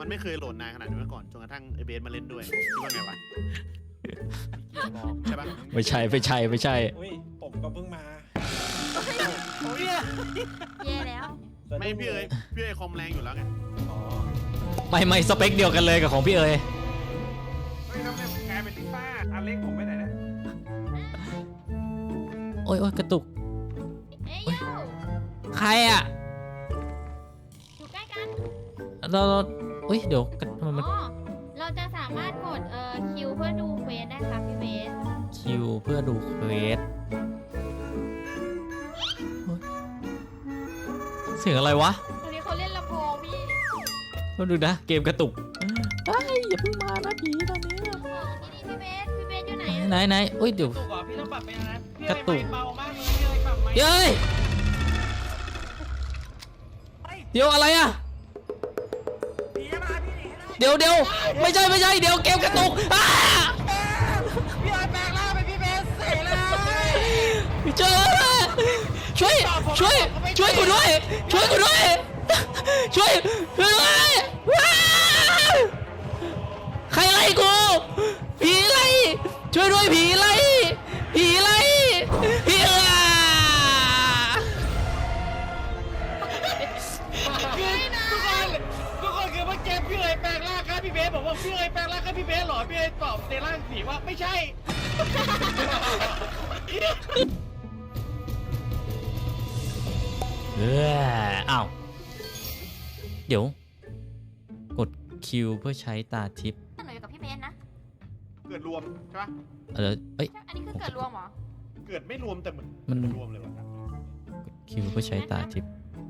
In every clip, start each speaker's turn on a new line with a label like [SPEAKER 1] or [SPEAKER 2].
[SPEAKER 1] มันไม่เคยโหลดนานขนาดนี้มาก่อนจนกระทั่งไอเบสมาเล่นด้วยคิดว่าไงวะใช่ปะ
[SPEAKER 2] ไม่ใช่
[SPEAKER 3] อุ้ยผมก็เพิ่งมา
[SPEAKER 4] แย่แล้ว
[SPEAKER 1] ไม่พี่เอ๋ยคอมแรงอยู่แล้วไง
[SPEAKER 3] อ๋อ
[SPEAKER 2] ไม่สเปคเดียวกันเลยกับของพี่เอ๋ย
[SPEAKER 3] เฮ้ยทำไมกลายเป็นลิซ่าอันเล็กผมไปไหนนะ
[SPEAKER 2] โอ้ยกระตุก
[SPEAKER 4] เอ้ยโย่
[SPEAKER 2] ใครอ่ะ
[SPEAKER 4] อยู่ใกล้กัน
[SPEAKER 2] เราอุ้ยเดี๋ยวทำไมมัน
[SPEAKER 4] อ๋อเราจะสามารถกดคิวเพื่อดูเควสได้ครับพี่เบส
[SPEAKER 2] คิวเพื่อดูเควสเสียงอะไรวะ
[SPEAKER 4] ตอนนี้เขาเล่นลำโพงพี่
[SPEAKER 2] มาดูนะเกมกระตุกเฮ้ยอย่าเพิ่งมานะผีตอนนี้
[SPEAKER 4] ลำโพงนี่พี่เบสอยู่ไหนอะ
[SPEAKER 2] ไหนอุ้ยเดี๋ยว
[SPEAKER 3] ตุกอ่ะพี่ต้องปรับไปนะพี่
[SPEAKER 2] กระตุก
[SPEAKER 3] เบามากเลยพี่เลยปรับไหม
[SPEAKER 2] เย้ยเดี๋ยวอะไรอ่ะ
[SPEAKER 3] พี่มาพี่หนีให้ได้
[SPEAKER 2] เดี๋ยวไม่ใช่เดี๋ยวเกมกระตุกอ้า
[SPEAKER 3] พี่เลยแปลงร่างเป็นพี่เบสเสร็จเลย
[SPEAKER 2] เจอแล้วช่วยกูด้วยช่วยด้วยว้าวใครไล่กูผีไล่ช่วยด้วยผีไล่ผีเอ๋อ
[SPEAKER 3] ทุกคนคือเมื่อกี้พี่เลยแปลงร่างครับพี่เบสบอกว่าพี่เลยแปลงร่างครับพี่เบสหรอพี่เลยตอบในร่างผีว่าไม่ใช่
[SPEAKER 2] อ้าวเดี๋ยวกดคิวเพื่อใช้ตาทิพย์
[SPEAKER 4] หนูอยู่กับพี่เบสนะ
[SPEAKER 1] เกิดรวมใช่ปะ
[SPEAKER 2] เอ้ย
[SPEAKER 4] อันนี้คือเกิดรวมเหรอ
[SPEAKER 1] เกิดไม่รวมแต่เหมือน
[SPEAKER 2] มัน
[SPEAKER 1] รวมเลยวะ
[SPEAKER 2] กดคิวเพื่อใช้ตาทิพย์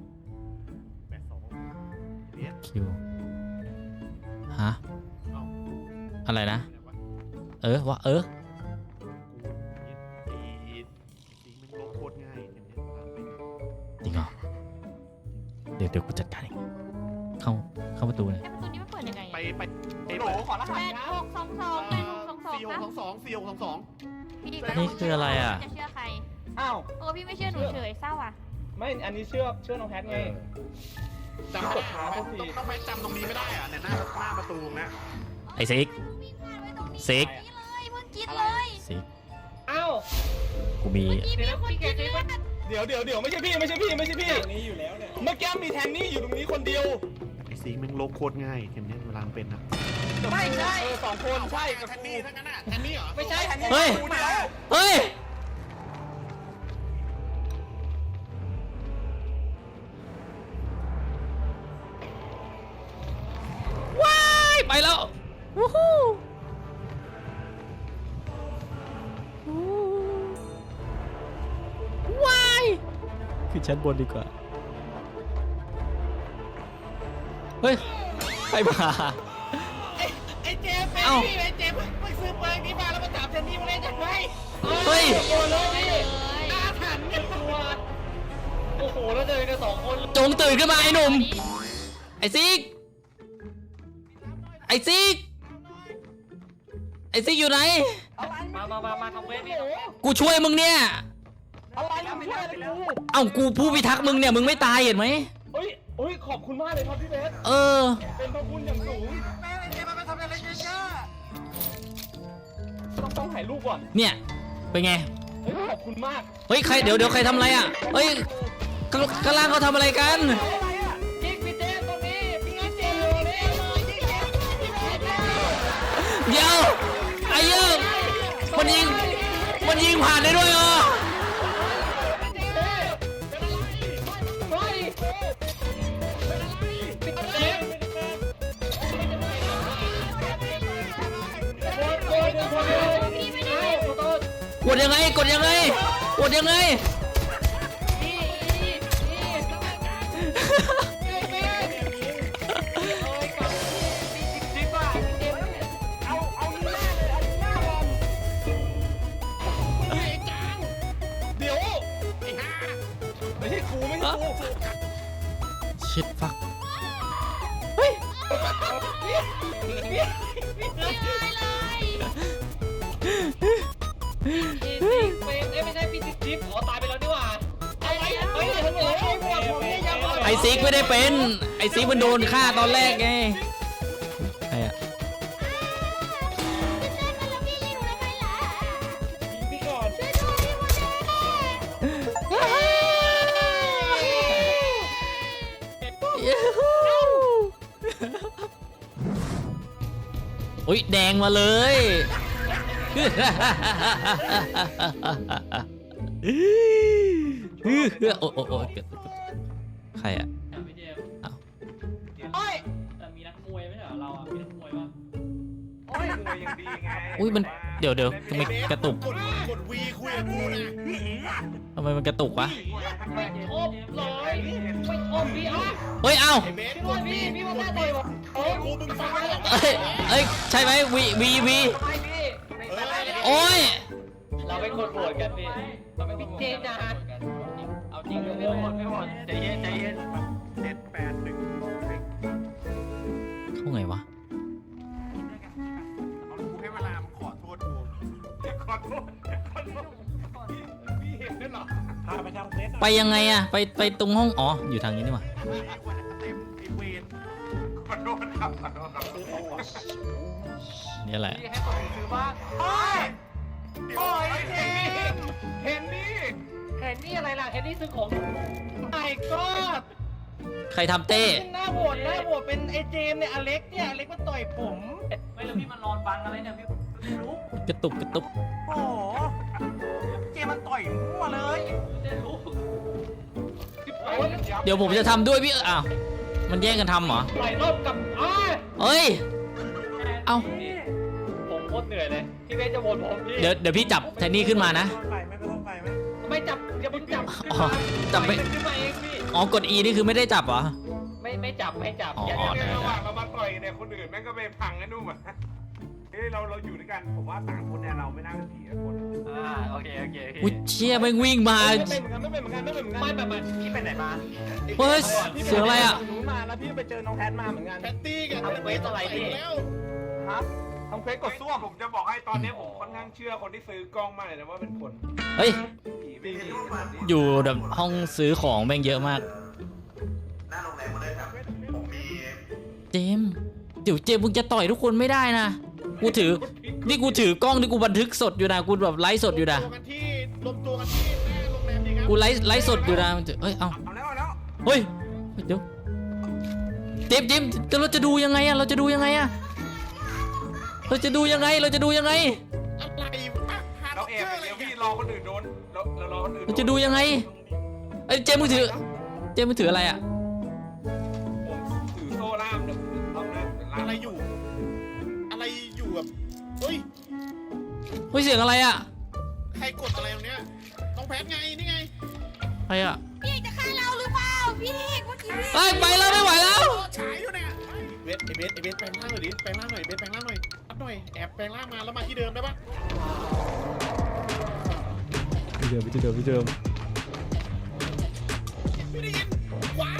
[SPEAKER 1] 82เนี่ย
[SPEAKER 2] คิวฮะ
[SPEAKER 1] เอ้า
[SPEAKER 2] อะไรนะ
[SPEAKER 1] วะ
[SPEAKER 2] เออ
[SPEAKER 1] กูสีมันลบโคตรง่ายอย่างเนี้ย
[SPEAKER 2] จริงเหรอเดี๋ยวกูจัดการเองเข้าประตูเลย
[SPEAKER 4] ไอ้ประตูนี้มันเปิดยังไง
[SPEAKER 1] ไป
[SPEAKER 4] อะ
[SPEAKER 3] โหขอรหัส
[SPEAKER 4] 8622
[SPEAKER 1] 4622
[SPEAKER 4] พี่
[SPEAKER 2] นี่คืออะไรอ่ะ
[SPEAKER 4] จะเชื่อใคร
[SPEAKER 3] อ้าว
[SPEAKER 4] พี่ไม่เชื่อหนูเฉยเศร้าอ่ะ
[SPEAKER 3] ไม่อันนี้เชื่อน้องแพทไง
[SPEAKER 1] จำไม่ได้ต้องไปจำตรงนี้ไม่ได้อะเนี่ยหน้าประตูนะ
[SPEAKER 2] ไอ้ซิก
[SPEAKER 4] วิ่งผ่านไว้ตรงนี้
[SPEAKER 2] ซิก
[SPEAKER 4] นี่เลยเพิ่งกินเลย
[SPEAKER 2] ซิก
[SPEAKER 3] อ้าว
[SPEAKER 2] กูมี
[SPEAKER 4] พี่มีคนกินเลือด
[SPEAKER 3] เดี๋ยวไม่ใช่พี่นี่อยู่แล้วเนี่ยเมื่อกี้มีแทนนี่อยู่ตรงนี้คนเดียว
[SPEAKER 1] ไอ้สีมันลบโคตรง่ายอย่างเนี้ยเวลาเป็นนะ
[SPEAKER 3] ไม่ใช่สองคนใช่กับ
[SPEAKER 1] แทน
[SPEAKER 3] กู
[SPEAKER 1] นี่ทั้งนั้นอ่ะแทนนี่เหรอ
[SPEAKER 3] ไม่ใช่แทนนี่
[SPEAKER 2] เฮ้ย
[SPEAKER 3] กูเดียว
[SPEAKER 2] เฮ้ยว้ายไปแล้ววู้ฮู้ว้ายขึ้นชั้นบนดีกว่าเฮ้ยใครมา
[SPEAKER 3] ไอ้เจมเป็น
[SPEAKER 2] เอ้า
[SPEAKER 3] พี่ไอ้เจมเพิ่งซื้อปืนนี้มาแล้วมาจับแทนนี่มาเล่นยังไง
[SPEAKER 2] เฮ้ย
[SPEAKER 3] โอ้เลยพี่อาถรรพ์เนี่ยตัวโอ้โหแล้วเจอกันสองคน
[SPEAKER 2] จงตื่นขึ้นมาไอ้หนุ่ม ไอ้ซิก ไอ้ซิก ไอ้ซิกอยู่ไหน
[SPEAKER 3] มาทำเวทนี่
[SPEAKER 2] กูช่วยมึงเนี่ย
[SPEAKER 3] อะไรไม่ใช่เลยกู
[SPEAKER 2] เอ้ากูผู้พิทักษ์มึงเนี่ยมึงไม่ตายเห็นไหม
[SPEAKER 3] เฮ้ยขอบคุณมากเลยครับพี่เบส
[SPEAKER 2] เออ
[SPEAKER 3] เป็นพระคุณอย่างสูงแม่ไอ้เจมมันไปทำอะไรเยอะๆต้องถ่ายรูปก่อน
[SPEAKER 2] เนี่ย เป็นไง
[SPEAKER 3] เฮ้ยขอบคุณมาก
[SPEAKER 2] เฮ้ยใครเดี๋ยวใครทำอะไรอ่ะ เฮ้ยข้างล่างเขาทำอะไรกัน
[SPEAKER 3] อะไรอ่ะยิงพี่เจมตรงนี้พี่งั้นเจมอยู่นี่ยิงพี่เจม
[SPEAKER 2] เดี๋ยว ไอ้เหี้ยมันยิงผ่านได้ด้วยเหรอ
[SPEAKER 4] พี่ไม่ได้
[SPEAKER 2] กดยังไง
[SPEAKER 3] เดี๋ยวไม่ใช่กูไม่ใช่กู
[SPEAKER 2] ชิดฟัก
[SPEAKER 3] ไม่ใช่พี่จิ๊บอ๋อตายไปแล้วนี่หว่าอะไรเฮ้ยทำไมไอ้หมวดผมเนี่ยยัง
[SPEAKER 2] ไอ้ซิกไม่ได้เป็น ไอ้ซิกมันโดนฆ่าตอนแรกไงอุ้ยแดงมาเลยโอ้โอ้ใครอะ
[SPEAKER 3] พี่เจม
[SPEAKER 2] อ้าว
[SPEAKER 3] โอ้ยแต่มีนักมวยไม่ใช่เหรอเราอ่ะมีนักมวยป่ะ
[SPEAKER 1] โอ้ยมวยยังดีไง
[SPEAKER 2] อุ้ยมันเดี๋ยวทำไมกระตุก
[SPEAKER 1] กดวีคุยกับกูนะ
[SPEAKER 2] ทำไมมันกระตุกวะ
[SPEAKER 3] ไม่ชอบเลยไม่ชอบพี่อ่ะ
[SPEAKER 2] เฮ้ยเอ้า
[SPEAKER 1] ไอ้เบส
[SPEAKER 3] พี่ว่าพี่มาหน้าต่อยผมโอ้ย
[SPEAKER 1] กูมึงฟังแล้ว
[SPEAKER 2] เอ้ยใช่ไหมวี
[SPEAKER 3] ไม่พี่
[SPEAKER 2] โอ้ย
[SPEAKER 3] เราเป็นคนโหวตกันพี่เราเป็นพี่เจนนะเอาจริงไม่โหวตไม่โหวตใจเย็นใจเย็น
[SPEAKER 1] 781
[SPEAKER 2] เข้าไงวะ
[SPEAKER 1] เอากูให้เวลามึงขอโทษกูขอโทษพี่เห็นด้วยเหรอพาไปทำเฟส
[SPEAKER 2] ไปยังไงอะไปตรงห้องอ๋ออยู่ทางนี้นี่หว่า
[SPEAKER 1] เต็มไอเวนขอโทษครับขอโทษครับ
[SPEAKER 2] นี่แหละ
[SPEAKER 3] พี่ให้ผมซื้อบ้างโอ้ยโอ้ยเห็นนี่
[SPEAKER 1] เห็นนี่
[SPEAKER 3] เห็นนี่อะไรล่ะเห็นนี่ซื้อของไอ้ก็
[SPEAKER 2] ใครทำเต้
[SPEAKER 3] หน้าโหวตเป็นไอ้เจมเนี่ยอเล็กเนี่ยอเล็กมันต่อยผมไม่แล้วพี่มันนอนบังอะไรเนี่ยพี่ไม่รู้
[SPEAKER 2] กระตุก
[SPEAKER 1] โอ้โหเจมันต่อยมั่วเลย
[SPEAKER 3] ไม่รู้
[SPEAKER 2] เดี๋ยวผมจะทำด้วยพี่อ้าวมันแย่งกันทำเหรอ
[SPEAKER 3] ต่อยรอบกับ
[SPEAKER 2] เอ้ย เอ้า
[SPEAKER 3] ผมโคตรเหนื่อยเลยพี่เบสจะโหวตผมพี่
[SPEAKER 2] เดี๋ยวพี่จับแทนนี่ขึ้นมานะ
[SPEAKER 3] ไม่จับอย่าเพิ่งจับ
[SPEAKER 2] อ๋อจับไม่
[SPEAKER 3] ขึ้นมาเองพี่
[SPEAKER 2] อ๋อกด E นี่คือไม่ได้จับเหรอ
[SPEAKER 3] ไม่จับ
[SPEAKER 2] อ๋อ
[SPEAKER 3] อย่า
[SPEAKER 2] ได้
[SPEAKER 1] ระหว่างเรามาต่อยเนี่ยคนอื่นแม่งก็ไปพังไอ้นู่นอ่ะเฮ้ยเราอยู่ด้วยกันผมว่าต่างคนเนี่ยเราไม่น่าเป็นผีกันคน
[SPEAKER 3] โอเค
[SPEAKER 2] อุ้ยเชี่ยแม่งวิ่งมา
[SPEAKER 3] ไม่แบบพี่ไปไหนมา
[SPEAKER 2] เฮ้ยเสียงอะไรอ่ะ
[SPEAKER 3] หนูมาแล้วพี่ไปเจอน้องแพทมาเหมือนกัน
[SPEAKER 1] แพตตี้กัน
[SPEAKER 3] ทำเควสอะไรพี่
[SPEAKER 1] แล้ว
[SPEAKER 3] ครับทำเควสกดซ่วม
[SPEAKER 1] ผมจะบอกให้ตอนนี้ผมค่อนข้างเชื่อคนที่ซื้อกล้องมากเลยนะว่าเป็นคน
[SPEAKER 2] เฮ้ย
[SPEAKER 1] ผีไม่มี
[SPEAKER 2] อยู่แบบห้องซื้อของแม่งเยอะมาก
[SPEAKER 1] หน้าโรงแรมมาเลยครับผมมี
[SPEAKER 2] เจมส์เดี๋ยวเจมส์มึงจะต่อยทุกคนไม่ได้นะ กูถือ นี่กูถือกล้องนี่กูบันทึกสดอยู่นะ กูแบบไลฟ์สดอยู่นะ
[SPEAKER 1] รวมตัวกันที่หน้าโรงแรมดีครับ
[SPEAKER 2] กูไลฟ์สดอยู่นะมันจะเอ้ย เอ้า
[SPEAKER 1] เอาแล้ว
[SPEAKER 2] เฮ้ย เดี๋ยวเจมส์เราจะดูยังไงอะเราจะดูยังไงอะเราจะดูยังไง
[SPEAKER 1] อะไรวะเราแอบเดี๋ยวพี่รอคนอื่นโดนเรารอคนอื่น
[SPEAKER 2] เราจะดูยังไงเอ้ยเจมส์มึงถืออะไรอะ
[SPEAKER 1] ผมถือโซ่ล่ามเดี๋ยวเอาหน้าเป็นล่าม
[SPEAKER 5] อะไรอยู่แบบเฮ้ย
[SPEAKER 2] เฮ้ยเสียงอะไรอะ
[SPEAKER 5] ใครกดอะไรตรงเนี้ยต้องแพทไง นี่ไง
[SPEAKER 2] ใครอะ
[SPEAKER 4] พี่เอกจะฆ่าเราหรือเปล่าพี่เอกเมื่อกี้พี่
[SPEAKER 2] เฮ้ยไปแล้วไม่ไหวแล้ว
[SPEAKER 5] ฉายอยู่เนี่ยเบสแปลงร่างหน่อยดิแปลงร่างหน่อยเบสแปลงร่างหน่อยอัพหน่อยแอบแปลงร่างมาแล้วมาที่เดิมได้ปะ
[SPEAKER 2] พี่เดิม
[SPEAKER 5] ไม่ได้ยินขวา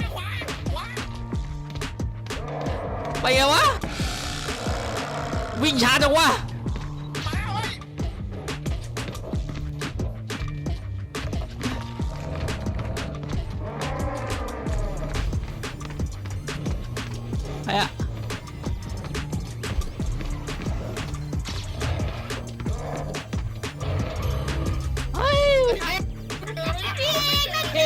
[SPEAKER 2] ไปไงวะวิ่งช้าจังวะ
[SPEAKER 5] มาเว้ย
[SPEAKER 2] ไปอะเฮ้ย
[SPEAKER 4] พี่เอกนั่น
[SPEAKER 1] ไม่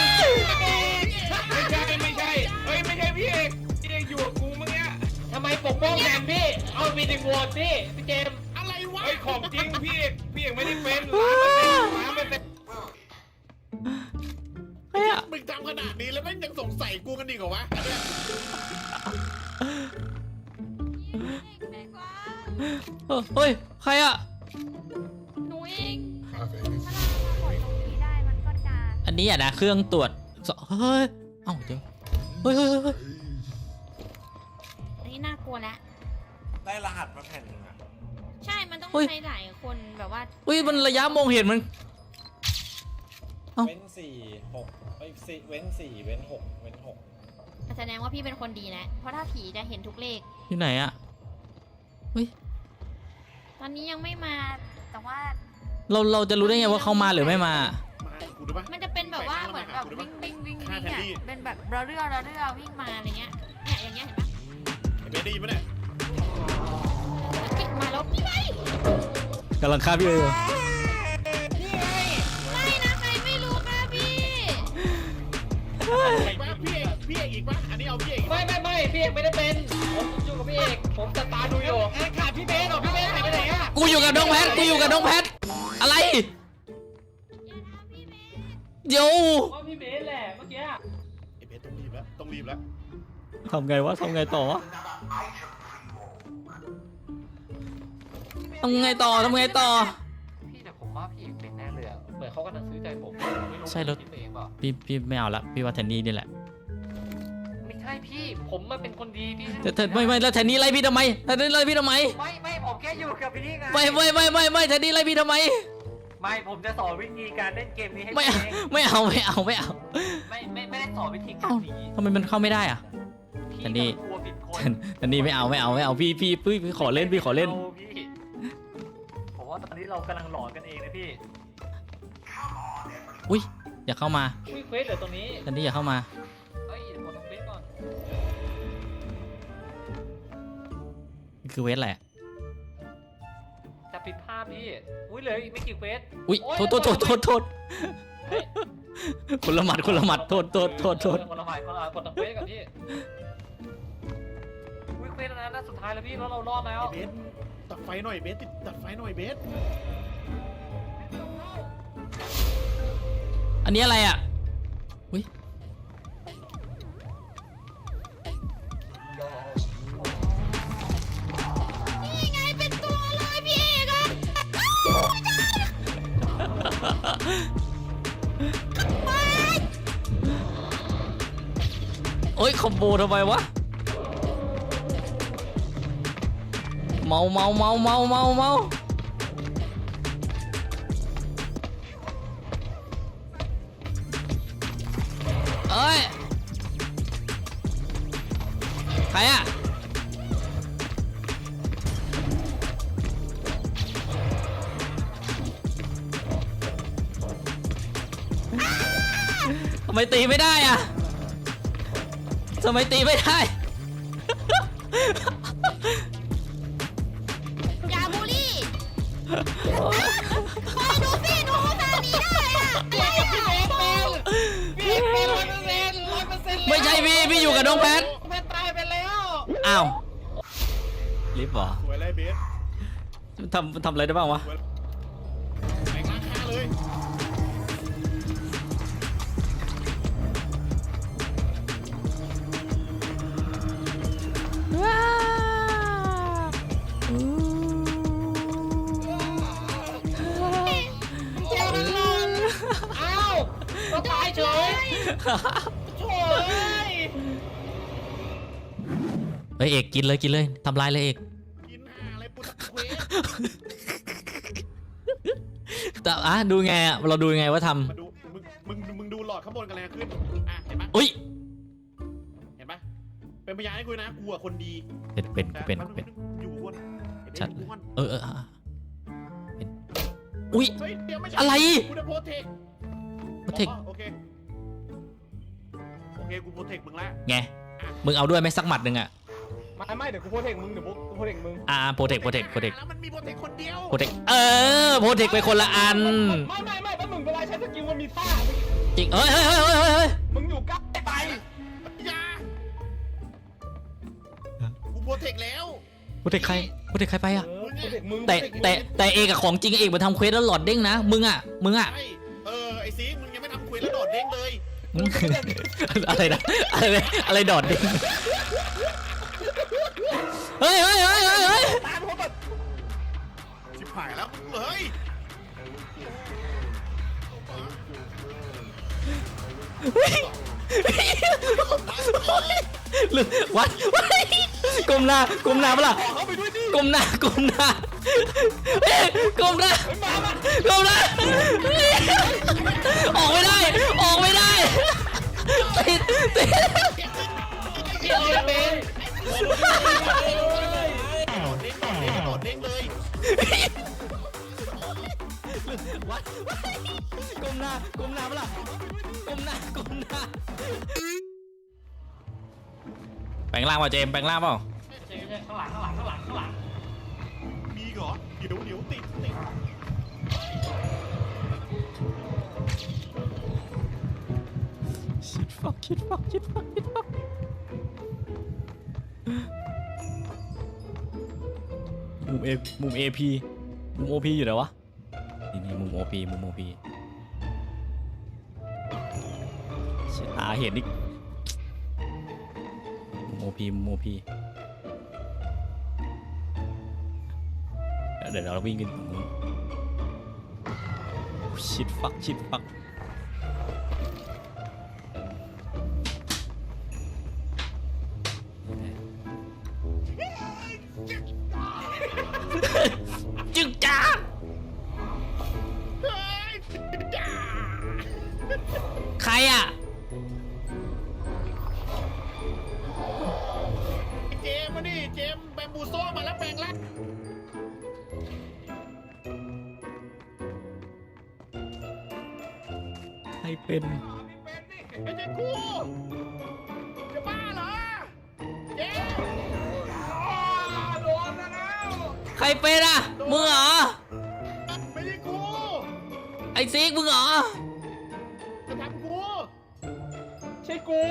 [SPEAKER 1] ใช่เฮ้ยไม่ใช่พี่เอกอยู่กับกูเมื่อกี้
[SPEAKER 3] ทำไมปกป้องแทนพี่เอามีดึงโหวตพี่เจม
[SPEAKER 5] อะไรวะ
[SPEAKER 1] เฮ้ยของจริงพี่เอกไม่ได้เป็นล้านเปอร์เซ็นต์
[SPEAKER 2] ใครอะ
[SPEAKER 5] มึงทำขนาดนี้แล้วแม่งยังสงสัยกูกันดีกว่าวะเนี่ย
[SPEAKER 4] แม่กว่า
[SPEAKER 2] เฮ้ยใครอะ
[SPEAKER 4] หนูเองถ้าเรามากดตรงนี้ได้มันก็จะ
[SPEAKER 2] อันนี้อะนะเครื่องตรวจเฮ้ยเอ้าเดี๋ยวเฮ้ย
[SPEAKER 4] อันนี้น่ากลัวแล้ว
[SPEAKER 1] ได้รหัสมาแผ่นหนึ่งอะ
[SPEAKER 4] ใช่มันต้องใช้หลายคนแบบว่า
[SPEAKER 2] เฮ้ยมันระยะมองเห็นมัน
[SPEAKER 6] เว้น4 6เว้น4เว้น6เว้น6
[SPEAKER 4] แสดงว่าพี่เป็นคนดีนะเพราะถ้าผีจะเห็นทุกเลข
[SPEAKER 2] อยู่ไหนอะเฮ้ย
[SPEAKER 4] ตอนนี้ยังไม่มาแต่ว่า
[SPEAKER 2] เราจะรู้ได้ไงว่าเขามาหรือไม่มา
[SPEAKER 5] มากูดูปะ
[SPEAKER 4] มันจะเป็นแบบว่าเหมือนแบบวิ่งอ่ะเป็นแบบเราเรื่อวิ่งมาอะไรเงี้ยเนี่ยอย่างเงี้ยเห็นปะ
[SPEAKER 5] ไอ้เบสได้ยินปะเนี่ย
[SPEAKER 4] ปิดมาแล้วพี่ไง
[SPEAKER 2] กำลังฆ่าพี่เลย
[SPEAKER 4] ไม่นะใครไม่รู้ค่ะพี่
[SPEAKER 5] อีกปะพี่เอกอีกปะอันนี้เอาพี่เอก
[SPEAKER 3] ไม่พี่เอกไม่ได้เป็นผมอยู่กับพี่เอกผมจะตาดูอยู่ขาดพี่เบสหรอพี่เบสหายไปไหนอะ
[SPEAKER 2] กูอยู่กับน้องแพทกูอยู่กับน้องแพทอะไรเดี๋ยว
[SPEAKER 3] ว่าพี่เบสแหละเมื่อกี้
[SPEAKER 5] ไอ้เบสต้องรีบแล้วต้องรีบแล้ว
[SPEAKER 2] ทำไงวะทำไงต่อวะทำไงต่อทำไงต่อ
[SPEAKER 3] พี่แต่ผมว่าพี่เอกเป็นแน่เลยอะเหมือนเขากำลังซื้อใจผมไม่รู้
[SPEAKER 2] ใช่รถ
[SPEAKER 3] พี่เองเปล่า
[SPEAKER 2] พี่ไม่เอาละพี่ว่าแทนนี่นี่แหละ
[SPEAKER 3] ไม่ใช่พี่ผมมาเป็นคนดีพี่
[SPEAKER 2] แต่ไม่แล้วแทนนี่ไล่พี่ทำไมแทนนี่ไล่พี่ทำไม
[SPEAKER 3] ไม่ผมแค่อยู่กับพี่ไง
[SPEAKER 2] ไม่แทนนี่ไล่พี่ทำไม
[SPEAKER 3] ไม่ผมจะสอนวิธีการเล่นเกมนี้ให้
[SPEAKER 2] ไม่
[SPEAKER 3] พี่เอง
[SPEAKER 2] ไม่เอาไม่
[SPEAKER 3] ไม่ได้สอนวิธีการหนี
[SPEAKER 2] ทำไมมันเข้าไม่ได้อะ
[SPEAKER 3] พี่
[SPEAKER 2] แต่นี่
[SPEAKER 3] กลัวผิดคน
[SPEAKER 2] แทนนี่ไม่เอาพี่ขอเล่นพี่ขอเล่น
[SPEAKER 3] อาพี่ผมว่าตอนนี้เรากำลังหลอนกันเองนะพี่
[SPEAKER 2] อุ้ยอย่าเข้ามา
[SPEAKER 3] อุ้ยเควสเหลือตรงนี้
[SPEAKER 2] แทนนี่อย่าเข้ามา
[SPEAKER 3] เฮ้ยกดตรงเควสก่อน
[SPEAKER 2] นี่คือเวทแหละ
[SPEAKER 3] จะปิดภาพพี่อุ้ยเหลืออีกไม่กี่เควส
[SPEAKER 2] อุ้ยโทษคนละหมัดโทษ
[SPEAKER 3] คนละหมายคนละกดตรงเควสกับพี่อุ้ยเควสแล้วนะสุดท้ายแล้วพี่แล้วเรารอดแล้ว
[SPEAKER 5] เบสตัดไฟหน่อยเบสตัดไฟหน่อยเบส
[SPEAKER 2] อันนี้อะไรอ่ะอุ้ย
[SPEAKER 4] นี่ไงเป็นตัวเลยพี่เอกอะ
[SPEAKER 2] โอ้ยคอมโบทำไมวะเมาเอ้ยใครอะทำไมตีไม่ได้อะทำไมตีไม่ได้
[SPEAKER 4] อย่าบูลลี่คอยดูสิดูตานี้ได้อะอะไรอะ
[SPEAKER 3] พี่เป็น100%
[SPEAKER 2] ไม่ใช่พี่อยู่กับน้องแพท
[SPEAKER 3] แม่ตายไปแล้ว
[SPEAKER 2] อ้าวลิฟต์เหรอ
[SPEAKER 5] สวยเลยเบส
[SPEAKER 2] ทำอะไรได้บ้างวะ
[SPEAKER 5] แรงล้างค่าเลย
[SPEAKER 2] ว้า
[SPEAKER 3] เจ้านั่นนอนอ้าวก็ตายเฉยโถ่เอ้ย
[SPEAKER 2] เฮ้ยเอกกินเลยทำลายเลยเอก
[SPEAKER 5] กินห่าอะไรปุ๊บเควส
[SPEAKER 2] แต่ดูไงอะเราดูยังไงว่าท
[SPEAKER 5] มาดูมึงดูหลอดข้างบนกันแรงขึ้นอ่ะเห็นปะ
[SPEAKER 2] ำอุ้ย
[SPEAKER 5] เห็นปะเป็นพยานให้กูนะกูอะคนดี
[SPEAKER 2] เป็น
[SPEAKER 5] แต่ อยู่บน
[SPEAKER 2] ชัด
[SPEAKER 5] อยู่บน
[SPEAKER 2] เป็นอุ้ย
[SPEAKER 5] เฮ้ยเดี๋ยวไม่ใช่
[SPEAKER 2] อะไร
[SPEAKER 5] กูจะโพเทค
[SPEAKER 2] โปรเทค
[SPEAKER 5] โอเคกูโพเทคมึงละ
[SPEAKER 2] ไงมึงเอาด้วยไหมสักหมัดหนึ่งอะ
[SPEAKER 1] ไม่เดี๋ยวกูโพสเทคมึงเดี๋ยวกูโพสเทคมึง
[SPEAKER 2] โปรเทค
[SPEAKER 5] แล้วมันมีโพเทคคนเดียว
[SPEAKER 2] โปรเทคโปรเทคไปคนละอัน
[SPEAKER 1] ไม่ถ้ามึงเวลาใช้สกิลมันมีท่า
[SPEAKER 2] จริงเฮ้ย
[SPEAKER 1] มึงอยู่ใกล้ไป
[SPEAKER 5] อย่ากูโพเทคแล้ว
[SPEAKER 2] โปรเทคใครไปอะ
[SPEAKER 1] โพสเทคมึง
[SPEAKER 2] แต่เอกกับของจริงเอกมาทำเควสแล้วหลอดเด้งนะมึงอะ
[SPEAKER 5] ใช่ไอซีมึงยังไม่ทำคุยแล้วโดดเด้งเลย
[SPEAKER 2] อะไรดอดเด้งเฮ้ย
[SPEAKER 1] ตามเขาแบบ
[SPEAKER 5] ชิบหายแล้วเฮ้ย
[SPEAKER 2] วัดก้มหน้าเปล่า
[SPEAKER 1] เข้าไปด้วยดิ
[SPEAKER 2] ก้มหน้าก้มหน้าออกไม่ได้ติด
[SPEAKER 3] พี่เอาเป็น
[SPEAKER 5] โดดเด้งเลย
[SPEAKER 2] วัดก้มหน้าเปล่าก้มหน้าแปลงร่างเปล่าเจมส์แปลงร่างเปล่า
[SPEAKER 3] ข้างหลัง
[SPEAKER 5] มีเหรอเดี๋ยวติด
[SPEAKER 2] ชิดฟักมุมเอมุม AP มุม OP อยู่ไหนวะนี่มุม OP มุม OP เชี่ยตาเห็นอีกมุม OP มุม OP เดี๋ยวเราวิ่งกันชิดฟักจึ๊กจ้า ใครอ่ะ
[SPEAKER 5] เจมมาดิเจมแบมบูโซ่มาแล้วแปลงร่าง
[SPEAKER 2] ให้เป็น
[SPEAKER 5] ไม่ใช่กูจะบ้าเหรอเจม
[SPEAKER 1] โดนแล้ว
[SPEAKER 2] ใครเป็นอ่ะ มึงเหรอ
[SPEAKER 5] ไม่ใช่กู
[SPEAKER 2] ไอ้ซิกมึงเหรอ
[SPEAKER 5] จะทำกู
[SPEAKER 3] ใช่กู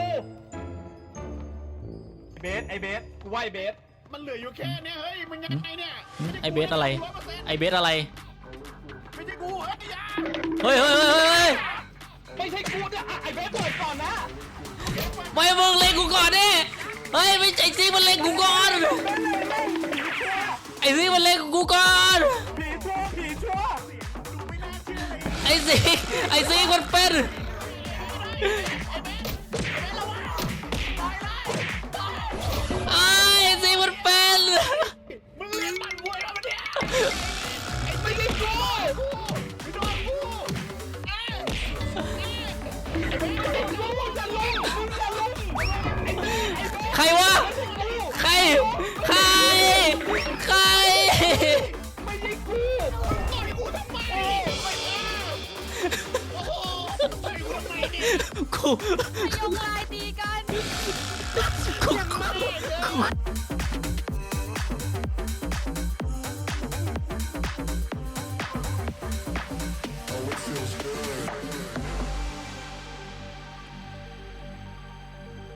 [SPEAKER 3] เบสไอเบสกูว่าไอเบส
[SPEAKER 5] มันเหลืออยู่แค่เนี้ยเฮ้ยมึงยังไงเนี่ย
[SPEAKER 2] ไอเบสอะไร ไอเบสอะไร
[SPEAKER 5] ไม่ใช่กูเฮ้ยอย่า
[SPEAKER 2] เฮ้ย
[SPEAKER 3] ไม่ใช่กูเนี่ยไอเบสเปิดก่อนนะ
[SPEAKER 2] ไม่มึงเล็งกูก่อนดิเฮ้ยไม่ไอซิกมันเล็งกูก่อน ไอซิกมันเล็งกูก่อน
[SPEAKER 1] ผีชั่ว
[SPEAKER 2] ไอซิกมันเป็น ไอ้ซิกมันเป็น
[SPEAKER 5] มึงเล่นมันมวยแล้วมันเนี่ยไม่ใช่กูไม่โดนกู
[SPEAKER 2] ใครวะ ใคร
[SPEAKER 5] ไม่ใช่กูต่อยกูทำไมโอ้โหต่อยกูทำไมเนี่ย
[SPEAKER 2] กู
[SPEAKER 4] ยงลายตีกัน
[SPEAKER 2] กู